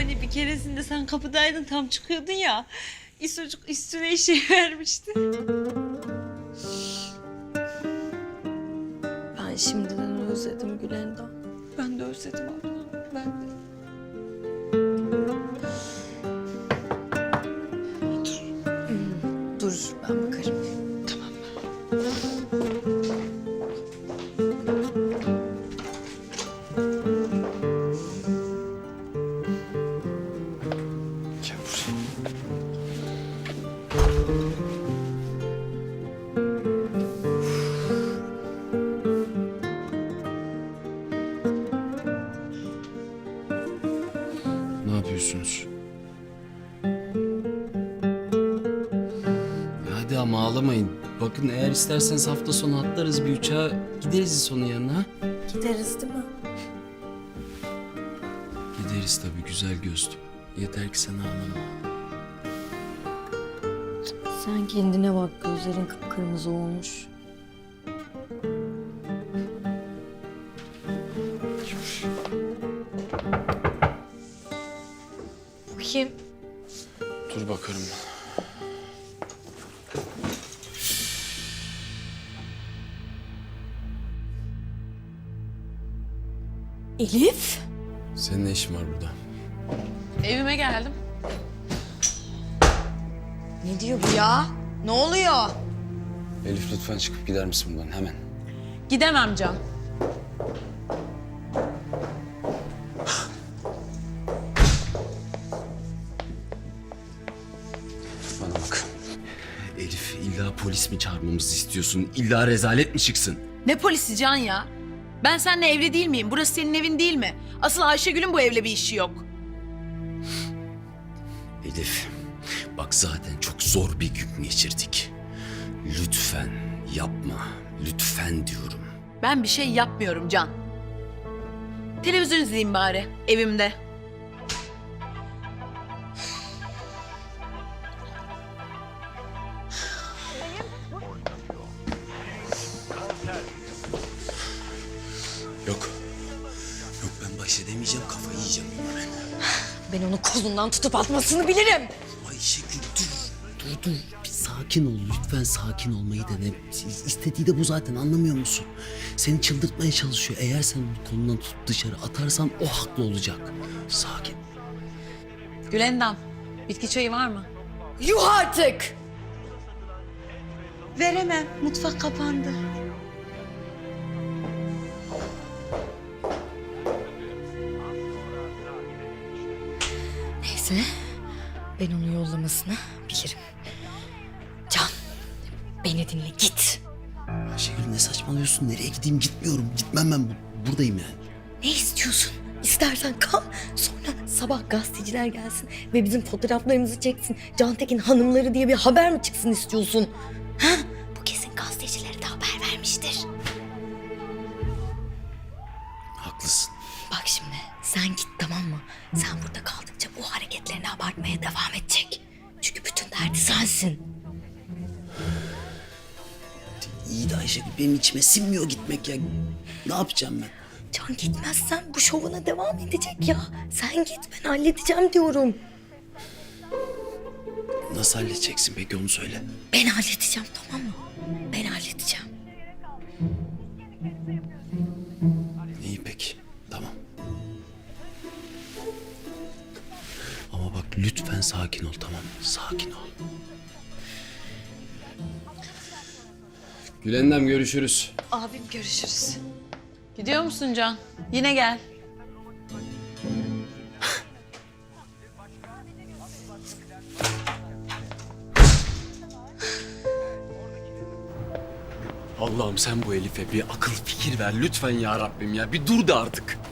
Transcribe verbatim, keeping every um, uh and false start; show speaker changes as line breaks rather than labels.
Hani bir keresinde sen kapıdaydın, tam çıkıyordun ya. İsocuk üstüne işe vermişti.
Ben şimdiden özledim Gülendam.
Ben de özledim abla. Ben de.
Dur ben bakarım.
Gel buraya. Ne yapıyorsunuz? Ya hadi ama ağlamayın. Bakın eğer isterseniz hafta sonu atlarız bir uçağa, gideriz İso'nun yanına.
Gideriz değil mi?
Gideriz tabii güzel gözlüm. Yeter ki sen ağlama.
Sen kendine bak, gözlerin kıpkırmızı olmuş. Bu kim?
Dur bakarım.
Elif?
Senin ne işin var burada?
Evime geldim.
Ne diyor bu ya? Ne oluyor?
Elif lütfen çıkıp gider misin buradan hemen?
Gidemem Can.
Bana bak. Elif illa polis mi çağırmamızı istiyorsun? İlla rezalet mi çıksın?
Ne polisi Can ya? Ben seninle evli değil miyim? Burası senin evin değil mi? Asıl Ayşegül'ün bu evle bir işi yok.
Elif, bak zaten çok zor bir gün geçirdik. Lütfen yapma, lütfen diyorum.
Ben bir şey yapmıyorum Can. Televizyon izleyeyim bari evimde.
Yok, yok ben baş edemeyeceğim, kafayı yiyeceğim buna ben.
Ben onu kolundan tutup atmasını bilirim.
Ayşegül dur, dur dur. Bir sakin ol, lütfen sakin olmayı dene. İstediği de bu zaten, anlamıyor musun? Seni çıldırtmaya çalışıyor. Eğer sen onu kolundan tutup dışarı atarsan o haklı olacak. Sakin.
Gülendam, bitki çayı var mı?
Yuh artık!
Veremem. Mutfak kapandı.
Neyse, ben onu yollamasını bilirim. Can, beni dinle, git.
Ayşegül ne saçmalıyorsun? Nereye gideyim? Gitmiyorum. Gitmem ben. Bu- Buradayım yani.
Ne istiyorsun? İstersen kal, sonra sabah gazeteciler gelsin ve bizim fotoğraflarımızı çeksin. Cantekin hanımları diye bir haber mi çıksın istiyorsun? Ha? Bu kesin gazetecilere de haber vermiştir.
Haklısın.
Bak şimdi, sen git tamam mı? Sen burada kaldıkça bu hareketlerini abartmaya devam edecek. Çünkü bütün derdi sensin.
İyi de Ayşegül benim içime sinmiyor gitmek ya. Ne yapacağım ben?
Can gitmezsen bu şovuna devam edecek ya. Sen git, ben halledeceğim diyorum.
Nasıl halledeceksin peki onu söyle.
Ben halledeceğim tamam mı? Ben halledeceğim.
İyi peki. Tamam. Ama bak lütfen sakin ol tamam mı? Sakin ol. Gülendam görüşürüz.
Abim görüşürüz.
Gidiyor musun Can? Yine gel.
Allah'ım sen bu Elif'e bir akıl fikir ver lütfen ya Rabbim ya. Bir dur da artık.